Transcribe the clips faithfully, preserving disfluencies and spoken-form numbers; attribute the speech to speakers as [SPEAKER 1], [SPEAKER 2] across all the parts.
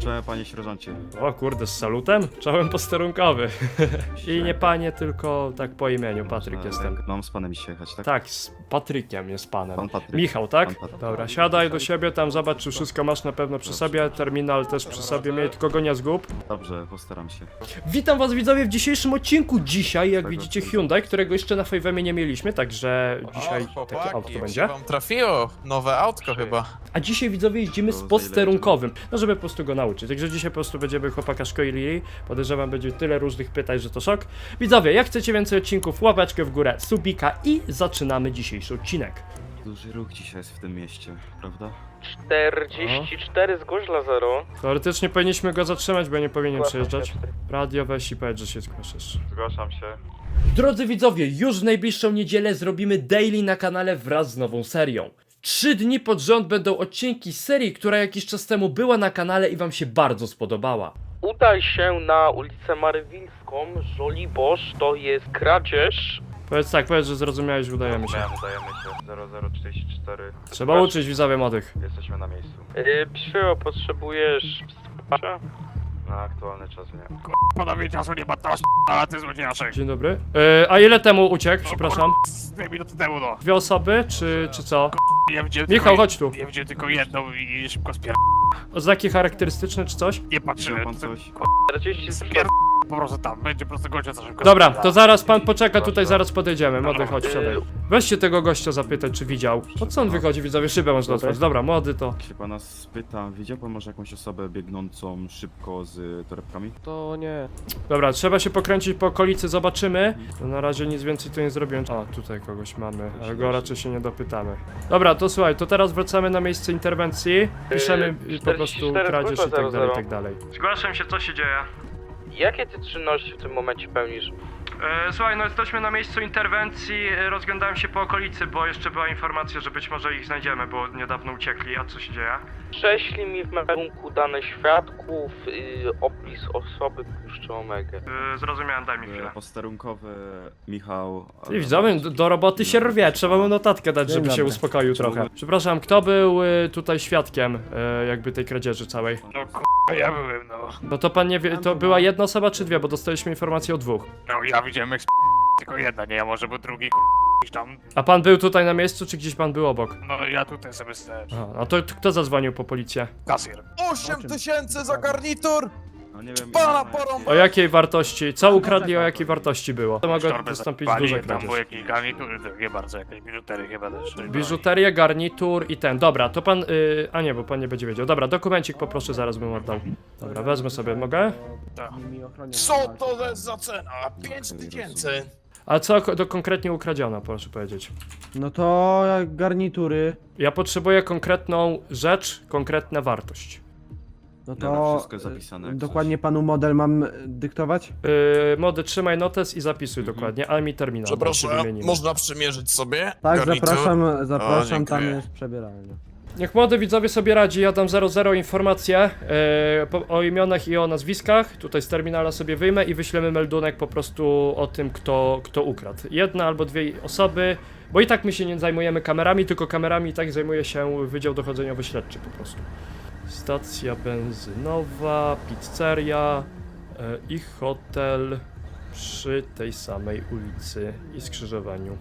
[SPEAKER 1] Cześć, panie sierżancie.
[SPEAKER 2] O kurde, z salutem? Czołem posterunkowy. I nie panie, tylko tak po imieniu, Patryk
[SPEAKER 1] E,
[SPEAKER 2] jestem.
[SPEAKER 1] Mam z panem dzisiaj jechać, tak?
[SPEAKER 2] Tak, z Patrykiem jest panem.
[SPEAKER 1] Pan Patryk.
[SPEAKER 2] Michał, tak?
[SPEAKER 1] Pan Patryk.
[SPEAKER 2] Dobra, siadaj do siebie, tam zobacz, czy wszystko masz na pewno przy sobie, terminal też przy sobie, miej, tylko go nie zgub.
[SPEAKER 1] Dobrze, postaram się.
[SPEAKER 2] Witam was widzowie w dzisiejszym odcinku. Dzisiaj, jak
[SPEAKER 1] Tak,
[SPEAKER 2] widzicie,
[SPEAKER 1] tak.
[SPEAKER 2] Hyundai, którego jeszcze na Fejwemie nie mieliśmy, także dzisiaj
[SPEAKER 3] O,
[SPEAKER 2] takie
[SPEAKER 3] chłopaki,
[SPEAKER 2] auto
[SPEAKER 3] jak
[SPEAKER 2] będzie.
[SPEAKER 3] się wam trafiło? Nowe autko chyba.
[SPEAKER 2] A dzisiaj widzowie jeździmy z
[SPEAKER 1] To za ile
[SPEAKER 2] posterunkowym, no żeby po prostu go nauczyć. Także dzisiaj po prostu będziemy chłopaka szkolili. Podejrzewam, będzie tyle różnych pytań, że to szok. Widzowie, jak chcecie więcej odcinków, łapeczkę w górę, subika i zaczynamy dzisiejszy odcinek.
[SPEAKER 1] Duży ruch dzisiaj jest w tym mieście, prawda?
[SPEAKER 4] czterdzieści cztery zgłoś dla zero.
[SPEAKER 2] Teoretycznie powinniśmy go zatrzymać, bo nie powinien przejeżdżać. Radio weź i powiedz, że się zgłaszasz.
[SPEAKER 4] Zgłaszam się.
[SPEAKER 2] Drodzy widzowie, już w najbliższą niedzielę zrobimy daily na kanale wraz z nową serią. Trzy dni pod rząd będą odcinki z serii, która jakiś czas temu była na kanale i wam się bardzo spodobała.
[SPEAKER 4] Udaj się na ulicę Marywilską, Żoliborz, to jest kradzież.
[SPEAKER 2] Powiedz tak, powiedz, że zrozumiałeś, udajemy się.
[SPEAKER 5] Udajemy się. zero zero czterdzieści cztery.
[SPEAKER 2] Trzeba uczyć widzowie młodych.
[SPEAKER 5] Jesteśmy na miejscu.
[SPEAKER 4] Yy, Psio, potrzebujesz wsparcia?
[SPEAKER 5] Na aktualny czas nie.
[SPEAKER 6] Panowie, czasu nie ma, teraz ale ty złodziejaszek.
[SPEAKER 2] Dzień dobry. Yy, a ile temu uciekł, przepraszam?
[SPEAKER 6] Z dwie minuty temu, no.
[SPEAKER 2] Dwie osoby, czy, czy co?
[SPEAKER 6] Ja widziałem
[SPEAKER 2] Michał,
[SPEAKER 6] tylko,
[SPEAKER 2] chodź tu.
[SPEAKER 6] Ja widziałem tylko jedną i szybko spier...
[SPEAKER 2] Oznaki charakterystyczne czy coś?
[SPEAKER 6] Nie
[SPEAKER 1] Widział
[SPEAKER 6] patrzyłem.
[SPEAKER 1] pan
[SPEAKER 6] to-
[SPEAKER 1] coś?
[SPEAKER 4] czterdzieści
[SPEAKER 6] Spier... Po prostu tam, będzie po prostu gościa za szybko.
[SPEAKER 2] Dobra,
[SPEAKER 6] spierdala.
[SPEAKER 2] to zaraz pan poczeka, tutaj zaraz podejdziemy. Młody, chodź,
[SPEAKER 4] Yy,
[SPEAKER 2] siadaj. Weźcie tego gościa zapytać, czy widział. Po co on wychodzi, widzowie? Szybę można otworzyć. Dobra, młody to...
[SPEAKER 1] Jak się pana spytam, widział pan może jakąś osobę biegnącą szybko z torebkami?
[SPEAKER 7] To nie.
[SPEAKER 2] Dobra, trzeba się pokręcić po okolicy, zobaczymy. No na razie nic więcej tu nie zrobiłem. O, tutaj kogoś mamy, ale go raczej się nie dopytamy. Dobra, to słuchaj, to teraz wracamy na miejsce interwencji. Piszemy
[SPEAKER 4] Yy,
[SPEAKER 2] y, po prostu
[SPEAKER 4] czterdzieści cztery
[SPEAKER 2] kradzież i
[SPEAKER 4] zgłosza
[SPEAKER 2] tak dalej, i
[SPEAKER 4] zero
[SPEAKER 2] tak
[SPEAKER 4] zero.
[SPEAKER 2] dalej. Zgłaszam się, co się dzieje.
[SPEAKER 4] Jakie ty czynności w tym momencie pełnisz?
[SPEAKER 2] E, słuchaj, no jesteśmy na miejscu interwencji, e, rozglądałem się po okolicy, bo jeszcze była informacja, że być może ich znajdziemy, bo niedawno uciekli, a co się dzieje?
[SPEAKER 4] Prześlij mi w melunku dane świadków, yy, opis osoby puszczy omegę.
[SPEAKER 2] E, zrozumiałem, daj mi chwilę.
[SPEAKER 1] E, Posterunkowy Michał...
[SPEAKER 2] I widzowie, do, do roboty się rwie, trzeba mu notatkę dać, żeby się uspokoił trochę. Przepraszam, kto był e, tutaj świadkiem e, jakby tej kradzieży całej?
[SPEAKER 6] No k***a, ja byłem, no.
[SPEAKER 2] Bo to pan nie wie, to była jedna osoba czy dwie, bo dostaliśmy informację o dwóch.
[SPEAKER 6] No, ja widziałem jak sp... tylko jedna, nie, a może był drugi k***a, gdzieś tam.
[SPEAKER 2] A pan był tutaj na miejscu, czy gdzieś pan był obok?
[SPEAKER 6] No, ja tutaj sobie stałem.
[SPEAKER 2] A, a to kto zadzwonił po policję?
[SPEAKER 6] Kasjer.
[SPEAKER 3] osiem tysięcy za garnitur!
[SPEAKER 1] No nie wiem,
[SPEAKER 3] Pana
[SPEAKER 1] ile-
[SPEAKER 3] porąb-
[SPEAKER 2] O jakiej wartości? Co ukradli, o jakiej wartości było? To mogło
[SPEAKER 6] Torbę
[SPEAKER 2] wystąpić
[SPEAKER 6] zapali,
[SPEAKER 2] duże
[SPEAKER 6] tam
[SPEAKER 2] kradzież.
[SPEAKER 6] były jakieś garnitury, nie bardzo, jakieś biżutery chyba też.
[SPEAKER 2] Biżuterię, garnitur i ten. Dobra, to pan. Yy, a nie, bo pan nie będzie wiedział. Dobra, dokumencik poproszę, zaraz bym oddał. Dobra, wezmę sobie, mogę?
[SPEAKER 3] Co to jest za cena? pięć tysięcy!
[SPEAKER 2] A co ko- do konkretnie ukradziono, proszę powiedzieć?
[SPEAKER 7] No to jak garnitury.
[SPEAKER 2] Ja potrzebuję konkretną rzecz, konkretna wartość.
[SPEAKER 7] No
[SPEAKER 1] Dobra,
[SPEAKER 7] to
[SPEAKER 1] wszystko jest zapisane, jak
[SPEAKER 7] dokładnie panu model mam e, dyktować?
[SPEAKER 2] Yy, mody, trzymaj notes i zapisuj dokładnie, ale mi terminal. bo się
[SPEAKER 3] Przepraszam,
[SPEAKER 2] wymienimy.
[SPEAKER 3] można przymierzyć sobie?
[SPEAKER 7] Tak,
[SPEAKER 3] garnitur?
[SPEAKER 7] zapraszam, zapraszam,
[SPEAKER 3] O,
[SPEAKER 7] tam
[SPEAKER 3] dziękuję.
[SPEAKER 7] jest przebieralnia.
[SPEAKER 2] Niech młody widzowie sobie radzi, ja dam zero zero informacje yy, po, o imionach i o nazwiskach. Tutaj z terminala sobie wyjmę i wyślemy meldunek po prostu o tym, kto, kto ukradł. Jedna albo dwie osoby, bo i tak my się nie zajmujemy kamerami, tylko kamerami i tak zajmuje się Wydział Dochodzeniowo-Śledczy po prostu. Stacja benzynowa, pizzeria yy, i hotel przy tej samej ulicy i skrzyżowaniu.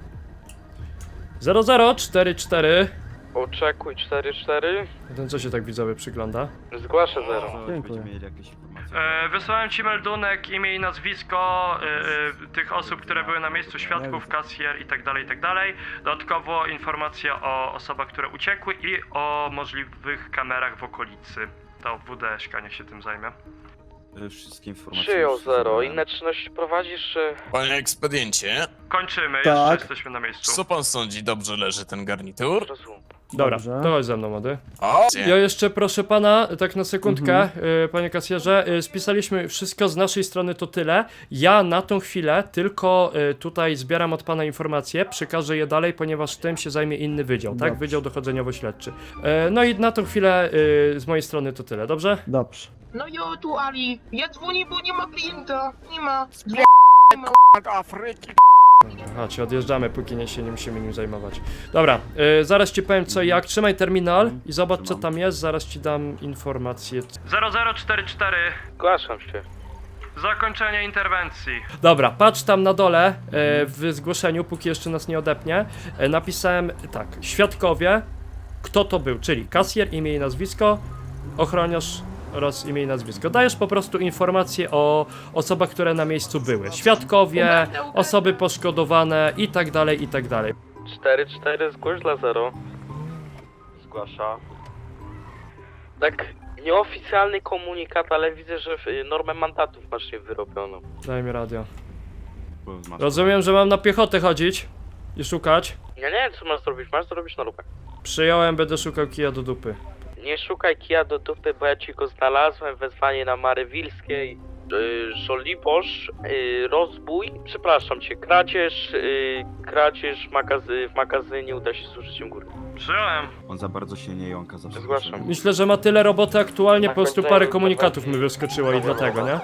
[SPEAKER 2] zero zero cztery cztery.
[SPEAKER 4] Oczekuj cztery cztery.
[SPEAKER 2] Ten co się tak widzowie przygląda?
[SPEAKER 4] Zgłaszę zero.
[SPEAKER 1] Zaraz
[SPEAKER 7] Dziękuję.
[SPEAKER 1] będziemy mieli jakieś informacje.
[SPEAKER 2] E, wysłałem ci meldunek, imię i nazwisko e, e, tych osób, które były na miejscu, świadków, kasjer i tak dalej, i tak dalej. Dodatkowo informacja o osobach, które uciekły i o możliwych kamerach w okolicy. To W D S K niech się tym zajmie.
[SPEAKER 1] E, Wszystkie informacje...
[SPEAKER 4] Przyjął
[SPEAKER 1] już
[SPEAKER 4] zero.
[SPEAKER 1] zebrałem.
[SPEAKER 4] Inne czynności prowadzisz, czy...
[SPEAKER 3] Panie ekspediencie,
[SPEAKER 2] Kończymy,
[SPEAKER 7] Tak.
[SPEAKER 2] jeszcze jesteśmy na miejscu.
[SPEAKER 3] co pan sądzi, dobrze leży ten garnitur?
[SPEAKER 4] Rozumiem.
[SPEAKER 2] Dobra,
[SPEAKER 7] Dobrze.
[SPEAKER 2] to chodź ze mną, młody.
[SPEAKER 3] O,
[SPEAKER 2] Ja jeszcze proszę pana, tak na sekundkę,
[SPEAKER 7] Mhm.
[SPEAKER 2] y, panie kasjerze, y, spisaliśmy wszystko z naszej strony, to tyle. Ja na tą chwilę tylko y, tutaj zbieram od pana informacje, przekażę je dalej, ponieważ tym się zajmie inny wydział, tak?
[SPEAKER 7] Dobrze.
[SPEAKER 2] Wydział Dochodzeniowo-Śledczy. Y, no i na tą chwilę y, z mojej strony to tyle, dobrze?
[SPEAKER 7] Dobrze.
[SPEAKER 8] No jo, tu Ali. Ja dzwonię, bo nie ma klienta. Nie ma.
[SPEAKER 6] Afryki,
[SPEAKER 2] Chodź, odjeżdżamy, póki nie się nie musimy nim zajmować. Dobra, yy, zaraz ci powiem co i jak. Trzymaj terminal i zobacz co
[SPEAKER 1] Trzymam.
[SPEAKER 2] tam jest, zaraz ci dam informację. zero zero cztery cztery.
[SPEAKER 4] Zgłaszam się.
[SPEAKER 2] Zakończenie interwencji. Dobra, patrz tam na dole e, w zgłoszeniu, póki jeszcze nas nie odepnie. E, napisałem tak, świadkowie, kto to był, czyli kasjer, imię i nazwisko, ochroniarz oraz imię i nazwisko. Dajesz po prostu informacje o osobach, które na miejscu były. Świadkowie, osoby poszkodowane i tak dalej, i tak dalej.
[SPEAKER 4] cztery cztery, zgłoś dla zero.
[SPEAKER 5] Zgłasza.
[SPEAKER 4] Tak, nieoficjalny komunikat, ale widzę, że w- normę mandatów masz nie wyrobioną.
[SPEAKER 2] Daj mi radio.
[SPEAKER 1] Bo masz-
[SPEAKER 2] Rozumiem, że mam na piechotę chodzić i szukać.
[SPEAKER 4] Ja nie wiem, co masz zrobić, masz zrobić normę.
[SPEAKER 2] Przyjąłem, będę szukał kija do dupy.
[SPEAKER 4] Nie szukaj kija do dupy, bo ja ci go znalazłem, wezwanie na Marywilskiej, yy, Żoliborz, yy, rozbój, przepraszam cię, kradzież, yy, kradzież magazy w magazynie uda się z użyciem góry.
[SPEAKER 2] Przyjąłem.
[SPEAKER 1] On za bardzo się nie jąka zawsze.
[SPEAKER 4] Zgłaszam.
[SPEAKER 2] Myślę, że ma tyle roboty aktualnie, po
[SPEAKER 4] Tak,
[SPEAKER 2] prostu
[SPEAKER 4] tak,
[SPEAKER 2] parę
[SPEAKER 4] tak,
[SPEAKER 2] komunikatów
[SPEAKER 4] tak.
[SPEAKER 2] mi wyskoczyło i dlatego, nie?
[SPEAKER 1] Y,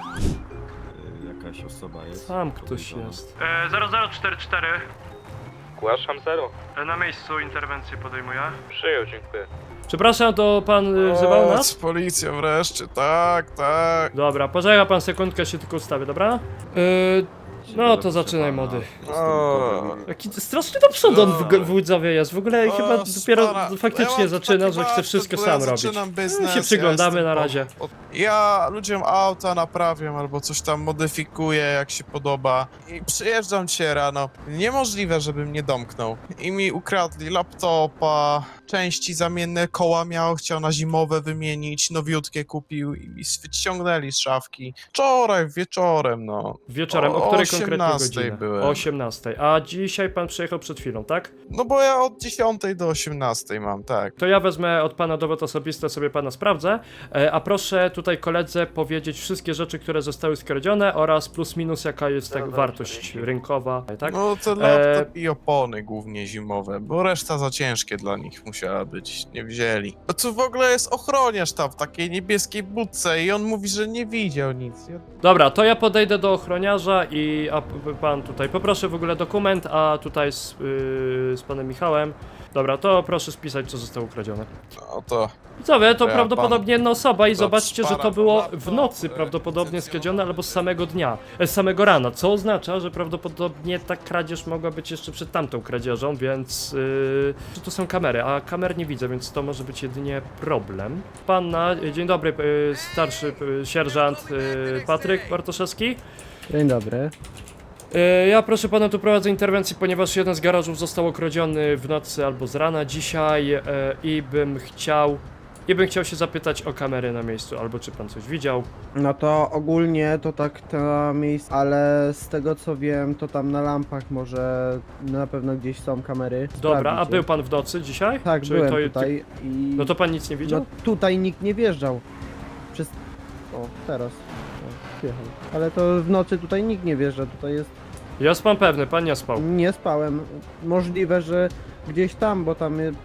[SPEAKER 1] Jakaś osoba jest.
[SPEAKER 2] Tam ktoś
[SPEAKER 1] podejrzana.
[SPEAKER 2] jest. zero zero cztery cztery.
[SPEAKER 4] Zgłaszam zero.
[SPEAKER 2] Na miejscu interwencję podejmuję.
[SPEAKER 4] Przyjął, dziękuję.
[SPEAKER 2] Przepraszam, to pan y, wzywał nas?
[SPEAKER 3] Policja wreszcie, tak, tak.
[SPEAKER 2] Dobra, poczeka pan sekundkę, się tylko ustawię, dobra? Yy, no to zaczynaj, młody.
[SPEAKER 3] O.
[SPEAKER 2] Jaki strasznie do przodu on w, w Łodzowie jest, w ogóle
[SPEAKER 3] O,
[SPEAKER 2] chyba dopiero
[SPEAKER 3] spara-
[SPEAKER 2] faktycznie
[SPEAKER 3] ja mam
[SPEAKER 2] zaczyna,
[SPEAKER 3] taki
[SPEAKER 2] że chce
[SPEAKER 3] warsztat,
[SPEAKER 2] wszystko
[SPEAKER 3] bo
[SPEAKER 2] sam
[SPEAKER 3] ja
[SPEAKER 2] robić.
[SPEAKER 3] zaczynam
[SPEAKER 2] My
[SPEAKER 3] biznes,
[SPEAKER 2] się przyglądamy
[SPEAKER 3] ja
[SPEAKER 2] na
[SPEAKER 3] jestem
[SPEAKER 2] razie.
[SPEAKER 3] po- po- Ja ludziom auta naprawiam albo coś tam modyfikuję jak się podoba i przyjeżdżam dzisiaj rano. Niemożliwe, żebym nie domknął. I mi ukradli laptopa, części zamienne, koła miał, chciał na zimowe wymienić, nowiutkie kupił i mi ściągnęli z szafki. Wczoraj, wieczorem, no.
[SPEAKER 2] Wieczorem, o,
[SPEAKER 3] O
[SPEAKER 2] której konkretnie
[SPEAKER 3] osiemnastej
[SPEAKER 2] godzinie?
[SPEAKER 3] byłem.
[SPEAKER 2] O osiemnastej. A dzisiaj pan przyjechał przed chwilą, tak?
[SPEAKER 3] No bo ja od dziesiątej do osiemnastej mam, tak.
[SPEAKER 2] To ja wezmę od pana dowód osobisty, sobie pana sprawdzę, e, a proszę tutaj koledze powiedzieć wszystkie rzeczy, które zostały skradzione oraz plus minus jaka jest tak wartość rynkowa, tak?
[SPEAKER 3] No to laptop i opony głównie zimowe, bo reszta za ciężkie dla nich musiała być, nie wzięli. No tu w ogóle jest ochroniarz tam w takiej niebieskiej budce i on mówi, że nie widział nic. Ja...
[SPEAKER 2] Dobra, to ja podejdę do ochroniarza i a p- pan tutaj, poproszę w ogóle dokument, a tutaj z, yy, z panem Michałem. Dobra, to proszę spisać, co zostało ukradzione.
[SPEAKER 3] No to...
[SPEAKER 2] Co wie, to
[SPEAKER 3] Ja
[SPEAKER 2] prawdopodobnie jedna osoba i
[SPEAKER 3] to
[SPEAKER 2] zobaczcie, że to
[SPEAKER 3] szpara
[SPEAKER 2] było
[SPEAKER 3] laptop,
[SPEAKER 2] w nocy
[SPEAKER 3] e,
[SPEAKER 2] prawdopodobnie
[SPEAKER 3] licencjonowane.
[SPEAKER 2] skradzione albo z samego dnia, e, z samego rana, co oznacza, że prawdopodobnie ta kradzież mogła być jeszcze przed tamtą kradzieżą, więc yy, czy to są kamery, a kamer nie widzę, więc to może być jedynie problem. Panna, e, dzień dobry, e, starszy e, sierżant e, Patryk Bartoszewski.
[SPEAKER 7] Dzień dobry.
[SPEAKER 2] E, Ja proszę pana tu prowadzę interwencję, ponieważ jeden z garażów został okradziony w nocy albo z rana dzisiaj e, i bym chciał i bym chciał się zapytać o kamery na miejscu, albo czy pan coś widział.
[SPEAKER 7] No to ogólnie to tak to miejsce, ale z tego co wiem, to tam na lampach może na pewno gdzieś są kamery.
[SPEAKER 2] Dobra, a
[SPEAKER 7] Sprawdzicie.
[SPEAKER 2] był pan w nocy dzisiaj?
[SPEAKER 7] Tak,
[SPEAKER 2] Czy
[SPEAKER 7] byłem
[SPEAKER 2] to-
[SPEAKER 7] tutaj i...
[SPEAKER 2] No to pan nic nie widział?
[SPEAKER 7] No tutaj nikt nie wjeżdżał. Przez... O, teraz. O, wjechał. Ale to w nocy tutaj nikt nie wjeżdża, tutaj jest...
[SPEAKER 2] Jest pan pewny, pan nie spał.
[SPEAKER 7] Nie spałem. Możliwe, że gdzieś tam, bo tam y,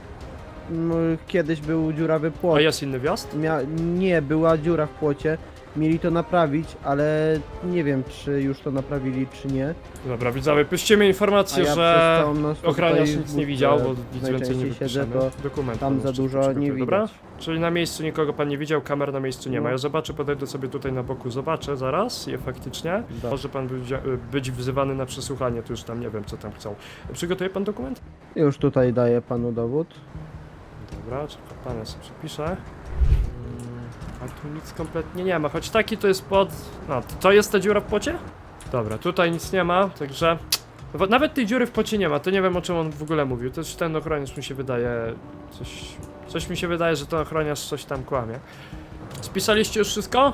[SPEAKER 7] m, kiedyś był dziurawy płot.
[SPEAKER 2] A jest inny wjazd?
[SPEAKER 7] Mia... Nie, była dziura w płocie. Mieli to naprawić, ale nie wiem, czy już to naprawili, czy nie.
[SPEAKER 2] Dobra, widzowie, puścimy
[SPEAKER 7] A
[SPEAKER 2] informację,
[SPEAKER 7] ja
[SPEAKER 2] że
[SPEAKER 7] przez całą noc
[SPEAKER 2] ochroniarz
[SPEAKER 7] tutaj
[SPEAKER 2] nic
[SPEAKER 7] w
[SPEAKER 2] nie widział, bo
[SPEAKER 7] budce
[SPEAKER 2] nic więcej nie
[SPEAKER 7] najczęściej siedzę,
[SPEAKER 2] wypiszemy.
[SPEAKER 7] to
[SPEAKER 2] Dokument
[SPEAKER 7] tam
[SPEAKER 2] pan
[SPEAKER 7] za
[SPEAKER 2] jeszcze
[SPEAKER 7] dużo
[SPEAKER 2] przygotuje,
[SPEAKER 7] nie
[SPEAKER 2] dobra?
[SPEAKER 7] widać.
[SPEAKER 2] Czyli na miejscu nikogo pan nie widział, kamer na miejscu nie ma.
[SPEAKER 7] No.
[SPEAKER 2] Ja zobaczę, podejdę sobie tutaj na boku, zobaczę zaraz je faktycznie.
[SPEAKER 7] Da.
[SPEAKER 2] Może pan być, być wzywany na przesłuchanie, to już tam nie wiem co tam chcą. Przygotuje pan dokument?
[SPEAKER 7] Już tutaj daję panu dowód.
[SPEAKER 2] Dobra, czekaj, pan ja sobie przepiszę. Mm, A tu nic kompletnie nie ma, choć taki to jest pod... No, to- to jest ta dziura w płocie? Dobra, tutaj nic nie ma, także... Bo nawet tej dziury w płocie nie ma, to nie wiem o czym on w ogóle mówił. To jest ten ochroniarz mi się wydaje... Coś... Coś mi się wydaje, że ten ochroniarz coś tam kłamie. Spisaliście już wszystko?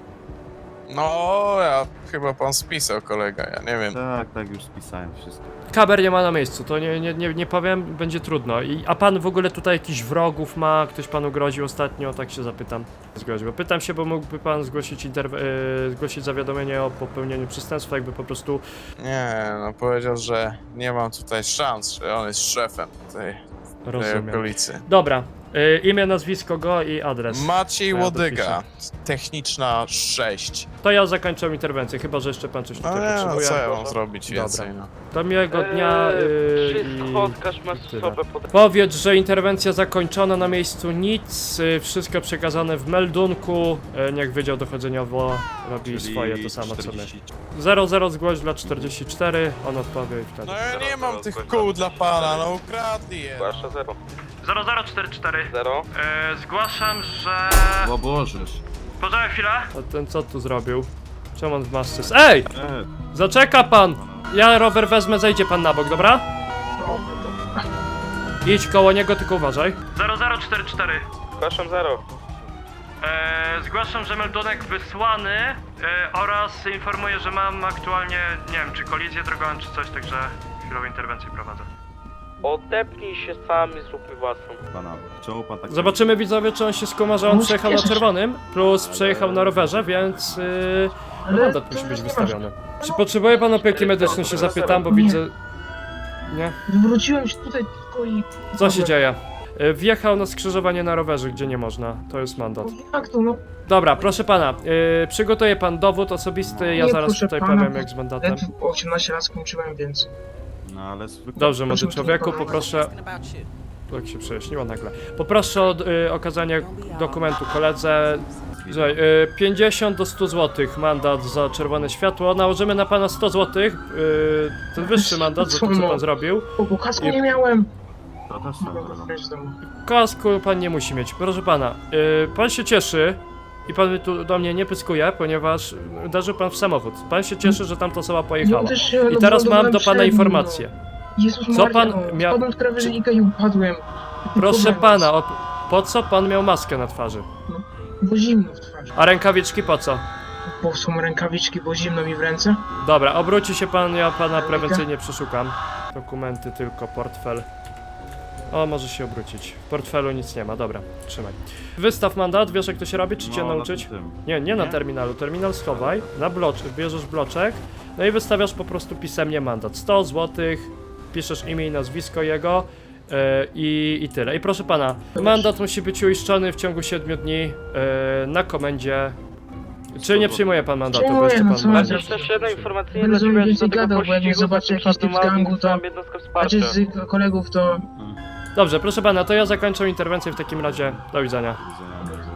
[SPEAKER 3] No, ja chyba pan spisał, kolega, ja nie wiem.
[SPEAKER 1] Tak, tak, już spisałem wszystko.
[SPEAKER 2] Kamer nie ma na miejscu, to nie, nie, nie, nie powiem, będzie trudno. I, a pan w ogóle tutaj jakichś wrogów ma? Ktoś panu groził ostatnio? Tak się zapytam. Zgroził. Bo pytam się, bo mógłby pan zgłosić, interw- e, zgłosić zawiadomienie o popełnieniu przestępstwa, jakby po prostu...
[SPEAKER 3] Nie, no powiedział, że nie mam tutaj szans, że on jest szefem tej, tej
[SPEAKER 2] Rozumiem.
[SPEAKER 3] okolicy.
[SPEAKER 2] Dobra, Y, imię, nazwisko go i adres.
[SPEAKER 3] Maciej
[SPEAKER 2] Ja
[SPEAKER 3] Łodyga, techniczna sześć.
[SPEAKER 2] To ja zakończę interwencję, chyba że jeszcze pan coś
[SPEAKER 3] No
[SPEAKER 2] tutaj
[SPEAKER 3] nie, no
[SPEAKER 2] potrzebuje.
[SPEAKER 3] co ja mam zrobić
[SPEAKER 2] Dobra.
[SPEAKER 3] więcej, no.
[SPEAKER 2] Do miłego dnia y,
[SPEAKER 4] Wszystko,
[SPEAKER 2] i...
[SPEAKER 4] odkaż masz
[SPEAKER 2] tyle.
[SPEAKER 4] osobę pod...
[SPEAKER 2] Powiedz, że interwencja zakończona, na miejscu nic, y, wszystko przekazane w meldunku, y, niech Wydział Dochodzeniowo robi
[SPEAKER 1] Czyli
[SPEAKER 2] swoje, to samo co my.
[SPEAKER 1] czterdzieści.
[SPEAKER 2] zero zero zgłoś dla czterdzieści cztery, on odpowie i wtedy.
[SPEAKER 3] No ja nie mam tych kół dla pana, no ukradli je.
[SPEAKER 4] Zgłasza zero.
[SPEAKER 2] zero zero cztery cztery.
[SPEAKER 4] Zero.
[SPEAKER 2] E, zgłaszam, że...
[SPEAKER 1] O Bożeż.
[SPEAKER 2] Poczekaj chwilę. A ten co tu zrobił? Czemu on w masce jest? Ej!
[SPEAKER 1] E,
[SPEAKER 2] Zaczeka pan! Ja rower wezmę, zejdzie pan na bok, dobra? Idź koło niego, tylko uważaj. zero zero cztery cztery.
[SPEAKER 4] Zgłaszam zero.
[SPEAKER 2] Eee, zgłaszam, że meldunek wysłany e, oraz informuję, że mam aktualnie, nie wiem, czy kolizję drogową, czy coś, także chwilową interwencję prowadzę.
[SPEAKER 4] Odepnij się sam i zrób mi własną.
[SPEAKER 1] pana, czemu pan tak...
[SPEAKER 2] Zobaczymy widzowie, czy on się skuma, że on przejechał na czerwonym, plus przejechał na rowerze, więc yy, mandat musi być wystawiony. Czy potrzebuje pan opieki medycznej, się zapytam, bo widzę... Nie?
[SPEAKER 8] Wróciłem się tutaj tylko i...
[SPEAKER 2] Co się dzieje? Yy, Wjechał na skrzyżowanie na rowerze, gdzie nie można, to jest mandat.
[SPEAKER 8] Jak to, no?
[SPEAKER 2] Dobra, proszę pana, yy, przygotuje pan dowód osobisty, ja
[SPEAKER 8] Nie,
[SPEAKER 2] zaraz
[SPEAKER 8] proszę
[SPEAKER 2] tutaj
[SPEAKER 8] pana,
[SPEAKER 2] powiem jak z mandatem.
[SPEAKER 8] Ledwo osiemnaście lat skończyłem, więc...
[SPEAKER 1] No ale zwykle...
[SPEAKER 2] Dobrze, młody
[SPEAKER 8] Proszę
[SPEAKER 2] człowieku,
[SPEAKER 8] pana.
[SPEAKER 2] poproszę... Jak się przejaśniło nagle. Poproszę o y, okazanie dokumentu koledze. Słuchaj, y, pięćdziesiąt do stu złotych mandat za czerwone światło. Nałożymy na pana sto złotych. Y, ten wyższy mandat za to, co pan zrobił.
[SPEAKER 8] O, bo kasku
[SPEAKER 2] I-
[SPEAKER 8] nie miałem.
[SPEAKER 1] To też swoją
[SPEAKER 8] Mogę
[SPEAKER 1] drogą.
[SPEAKER 8] wejść z domu.
[SPEAKER 2] Kasku pan nie musi mieć. Proszę pana, y, pan się cieszy i pan mi tu do mnie nie pyskuje, ponieważ uderzył pan w samochód. Pan się cieszy, że tamta osoba pojechała.
[SPEAKER 8] Ja też się
[SPEAKER 2] I teraz mam
[SPEAKER 8] lądowałem
[SPEAKER 2] do pana
[SPEAKER 8] przed nim,
[SPEAKER 2] informację.
[SPEAKER 8] No. Jezus
[SPEAKER 2] Co
[SPEAKER 8] Maria,
[SPEAKER 2] pan
[SPEAKER 8] no.
[SPEAKER 2] miał-
[SPEAKER 8] Spadłem z krawężnika i upadłem.
[SPEAKER 2] Proszę
[SPEAKER 8] Tylko
[SPEAKER 2] pana, o, po co pan miał maskę na twarzy?
[SPEAKER 8] Bo zimno w twarzy.
[SPEAKER 2] A rękawiczki po co?
[SPEAKER 8] Bo są rękawiczki, bo zimno mi w ręce.
[SPEAKER 2] Dobra, obróci się pan, ja pana prewencyjnie przeszukam. Dokumenty tylko, portfel. O, może się obrócić. W portfelu nic nie ma, dobra, trzymaj. Wystaw mandat, wiesz jak to się robi, czy cię
[SPEAKER 1] No, na
[SPEAKER 2] nauczyć?
[SPEAKER 1] tym.
[SPEAKER 2] Nie, nie na
[SPEAKER 1] Nie?
[SPEAKER 2] terminalu, terminal schowaj, na bloczek, bierzesz bloczek, no i wystawiasz po prostu pisemnie mandat. sto złotych, piszesz imię i nazwisko jego yy, i, i tyle. I proszę pana, mandat musi być uiszczony w ciągu siedmiu dni yy, na komendzie. Czy nie przyjmuje pan mandatu, bo
[SPEAKER 8] Przyjmuję,
[SPEAKER 2] jeszcze
[SPEAKER 8] no
[SPEAKER 2] pan...
[SPEAKER 8] co mam
[SPEAKER 2] będzie-
[SPEAKER 8] zrobić?
[SPEAKER 4] Jeszcze jedna informacyjna
[SPEAKER 8] Będę
[SPEAKER 4] dla ciebie,
[SPEAKER 8] więcej
[SPEAKER 4] że do tego
[SPEAKER 8] gadał, bo jak nie
[SPEAKER 4] pościgu
[SPEAKER 8] zobaczę jakiś typ z
[SPEAKER 4] zapraszam
[SPEAKER 8] gangu, to-
[SPEAKER 4] całą jednostkę wsparcia.
[SPEAKER 8] Znaczy z kolegów to...
[SPEAKER 2] Dobrze, proszę pana, to ja zakończę interwencję w takim razie. Do widzenia.
[SPEAKER 1] Do widzenia, bardzo.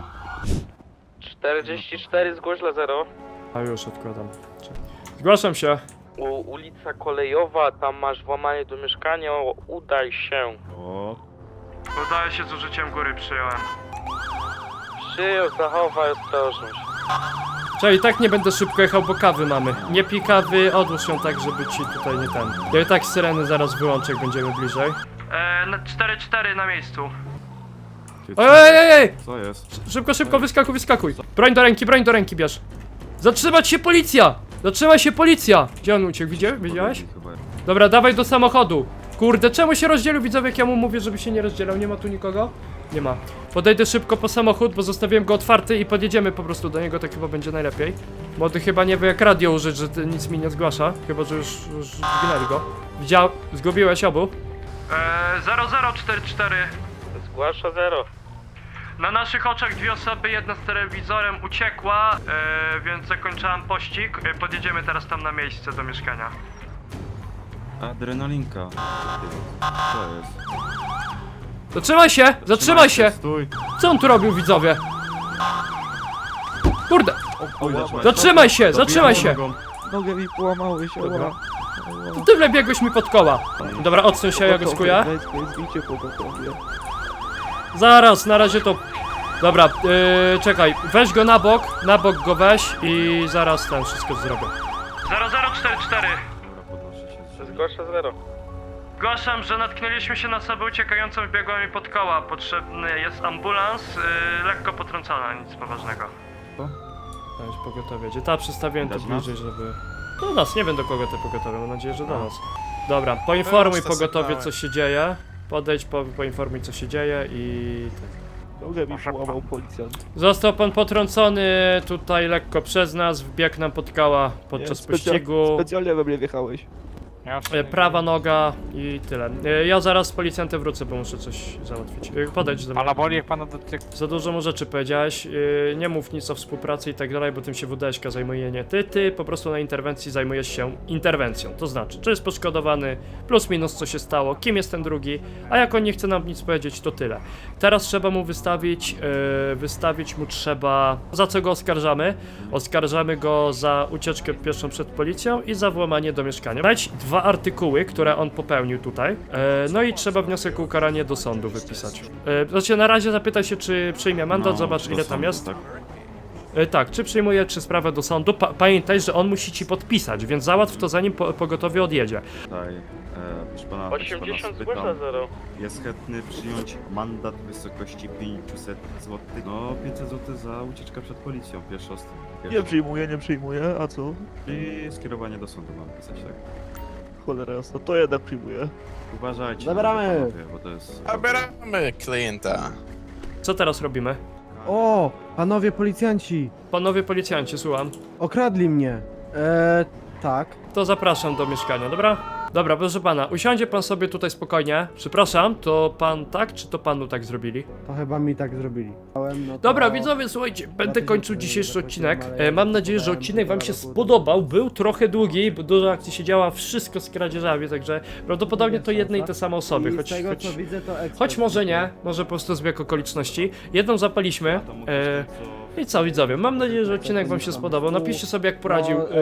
[SPEAKER 4] czterdzieści cztery zgłoś dla zero.
[SPEAKER 2] A już odkładam. Zgłaszam się.
[SPEAKER 4] U, ulica Kolejowa, tam masz włamanie do mieszkania, udaj się.
[SPEAKER 1] O,
[SPEAKER 2] Udaje się z użyciem góry, przyjąłem.
[SPEAKER 4] Przyjął, zachowaj ostrożność.
[SPEAKER 2] Czyli tak nie będę szybko jechał, bo kawy mamy. Nie pij kawy, odłóż ją tak, żeby ci tutaj nie ten. Ja i tak syreny zaraz wyłączę, jak będziemy bliżej. Eee, na cztery cztery na miejscu.
[SPEAKER 1] ty co?
[SPEAKER 2] Ej, ej, ej!
[SPEAKER 1] Co jest?
[SPEAKER 2] Szybko, szybko, wyskakuj, wyskakuj. Broń do ręki, broń do ręki bierz. Zatrzymać się policja! Zatrzymaj się policja! Gdzie on uciekł, widziałeś? Widziałeś?
[SPEAKER 1] Chyba.
[SPEAKER 2] Dobra, dawaj do samochodu. Kurde, czemu się rozdzielił, widzowie, jak ja mu mówię, żeby się nie rozdzielał? Nie ma tu nikogo? Nie ma. Podejdę szybko po samochód, bo zostawiłem go otwarty i podjedziemy po prostu do niego, tak chyba będzie najlepiej. Młody chyba nie wie jak radio użyć, że ty nic mi nie zgłasza. Chyba, że już, już zginęli go. Widział? Zgubiłeś obu? Eee, zero zero cztery cztery.
[SPEAKER 4] Zgłasza zero.
[SPEAKER 2] Na naszych oczach dwie osoby, jedna z telewizorem uciekła, e, więc zakończyłam pościg. E, podjedziemy teraz tam na miejsce do mieszkania.
[SPEAKER 1] Adrenalinka. Co jest?
[SPEAKER 2] Zatrzymaj się! Zatrzymaj się!
[SPEAKER 1] Stój.
[SPEAKER 2] Co on tu robił, widzowie? Kurde!
[SPEAKER 1] Oj,
[SPEAKER 2] Zatrzymaj się! Zatrzymaj się!
[SPEAKER 1] Nogą.
[SPEAKER 9] Nogę mi połamały się,
[SPEAKER 1] Dobra.
[SPEAKER 9] ła.
[SPEAKER 2] To ty wlebiegłeś mi pod koła. Dobra, odsuń się, ja go skuję.
[SPEAKER 9] Zbicie pogotowie.
[SPEAKER 2] Zaraz, na razie to... Dobra, yy, czekaj, weź go na bok, na bok go weź i zaraz ten wszystko zrobię. zero zero cztery cztery.
[SPEAKER 1] Dobra, podnoszę się.
[SPEAKER 4] Zgłasza zero.
[SPEAKER 2] Zgłaszam, że natknęliśmy się na osobę uciekającą, wbiegła mi pod koła. Potrzebny jest ambulans, yy, lekko potrącona, nic poważnego.
[SPEAKER 1] Co?
[SPEAKER 2] Weź pogotowie. Gdzie ta przystawiłem to
[SPEAKER 1] Widać nas?
[SPEAKER 2] bliżej, żeby... Do nas, nie wiem do kogo te pogotowie, mam nadzieję, że do nas. Dobra, poinformuj
[SPEAKER 3] Teraz to
[SPEAKER 2] pogotowie, co
[SPEAKER 3] sygnałem.
[SPEAKER 2] się dzieje. Podejdź, po, poinformuj, co się dzieje i...
[SPEAKER 9] Nogę mi połamał policjant.
[SPEAKER 2] Został pan potrącony tutaj lekko przez nas, wbiegł nam pod koła podczas
[SPEAKER 9] Nie, specja-
[SPEAKER 2] pościgu.
[SPEAKER 9] Specjalnie we mnie wjechałeś.
[SPEAKER 6] Jasne.
[SPEAKER 2] E, prawa noga i tyle. E, ja zaraz z policjantem wrócę, bo muszę coś załatwić. E, podejdź do mnie.
[SPEAKER 6] Pana boli, jak pana dotyka.
[SPEAKER 2] Za dużo mu rzeczy powiedziałeś, yy, nie mów nic o współpracy i tak dalej, bo tym się W D Ś K zajmuje nie ty, ty po prostu na interwencji zajmujesz się interwencją, to znaczy, czy jest poszkodowany, plus minus co się stało, kim jest ten drugi, a jak on nie chce nam nic powiedzieć, to tyle. Teraz trzeba mu wystawić, yy, wystawić mu trzeba, za co go oskarżamy? Oskarżamy go za ucieczkę pieszą przed policją i za włamanie do mieszkania. Dać dwa artykuły, które on popełnił tutaj, yy, no i trzeba wniosek o ukaranie do sądu wypisać. Yy, znaczy na razie zapytaj się, czy przyjmie mandat,
[SPEAKER 1] No,
[SPEAKER 2] zobacz
[SPEAKER 1] do
[SPEAKER 2] ile tam
[SPEAKER 1] sądu,
[SPEAKER 2] jest.
[SPEAKER 1] Tak?
[SPEAKER 2] E, tak, czy przyjmuje, czy sprawę do sądu. Pa pamiętaj, że on musi ci podpisać, więc załatw to zanim po pogotowie odjedzie.
[SPEAKER 1] Tutaj, e, proszę pana, proszę pana
[SPEAKER 4] osiemdziesiąt
[SPEAKER 1] spytam,
[SPEAKER 4] zgłasza zero.
[SPEAKER 1] jest chętny przyjąć mandat w wysokości pięćset złotych. No, pięćset złotych za ucieczkę przed policją, pierwszy osób.
[SPEAKER 9] Nie przyjmuję, nie przyjmuję, a co?
[SPEAKER 1] I skierowanie do sądu mam pisać, tak?
[SPEAKER 9] Cholera jasna, to jednak przyjmuję.
[SPEAKER 1] Uważajcie,
[SPEAKER 7] Zabieramy.
[SPEAKER 1] panowie, bo to jest...
[SPEAKER 3] Zabieramy klienta.
[SPEAKER 2] Co teraz robimy?
[SPEAKER 7] O, panowie policjanci,
[SPEAKER 2] Panowie policjanci, słucham.
[SPEAKER 7] okradli mnie. Eee, tak.
[SPEAKER 2] To zapraszam do mieszkania, dobra? Dobra, proszę pana, usiądzie pan sobie tutaj spokojnie. Przepraszam, to pan tak, czy to panu tak zrobili?
[SPEAKER 7] To chyba mi tak zrobili. No to...
[SPEAKER 2] Dobra, widzowie, słuchajcie, będę kończył dzisiejszy odcinek. E, mam nadzieję, że odcinek wam się spodobał. Był trochę długi, bo dużo akcji się działa, wszystko z kradzieżami, także prawdopodobnie to jedne i te same osoby,
[SPEAKER 7] I
[SPEAKER 2] choć,
[SPEAKER 7] z tego
[SPEAKER 2] choć,
[SPEAKER 7] co widzę to ekspert.
[SPEAKER 2] choć może nie, może po prostu zbieg okoliczności. Jedną zapaliśmy.
[SPEAKER 1] To mówisz
[SPEAKER 2] E,
[SPEAKER 1] ten, co-
[SPEAKER 2] I co, widzowie, mam nadzieję, że odcinek wam się spodobał. Napiszcie sobie, jak poradził.
[SPEAKER 7] No,
[SPEAKER 2] e,